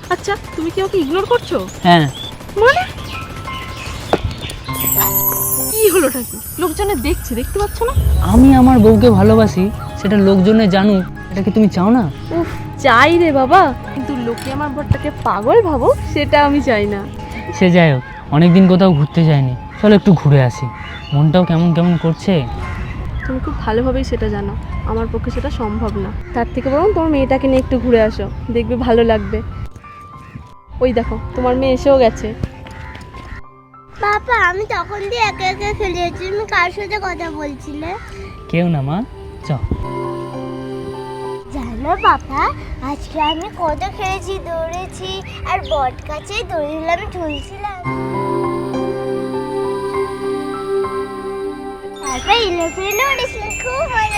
আচ্ছা, তুমি কি ওকে ইগনোর করছো? হ্যাঁ। মানে কি হলোটা কি? লোকজনে দেখছে, দেখতে পাচ্ছ না? আমি আমার বউকে ভালোবাসি, সেটা লোকজনে জানুক, এটা কি তুমি চাও না? উফ, চাই রে বাবা, কিন্তু লোকে আমার বরটাকে পাগল ভাবো সেটা আমি চাই না। সে যাই হোক, অনেকদিন কোথাও ঘুরতে যায়নি, চলো একটু ঘুরে আসি। মনটাও কেমন কেমন করছে। তুমি খুব ভালোভাবেই সেটা জানো, আমার পক্ষে সেটা সম্ভব না। তার থেকে বরং তোমার মেয়েটাকে নিয়ে একটু ঘুরে আসো, দেখবে ভালো লাগবে। ওই দেখো, তোমার মেয়ে এসেও গেছে। বাবা, আমি তখন দিয়ে একা একা খেলে যাচ্ছি, তুমি কার সাথে কথা বলছিলে? কেউ না মা, চ। জানো বাবা, আজকে আমি কত খেলেছি, দৌড়েছি, আর বট গাছে দড়িগুলো আমি ঝুলছিলাম। তারপর ইলেভেনে উঠেছিলাম, খুব মজা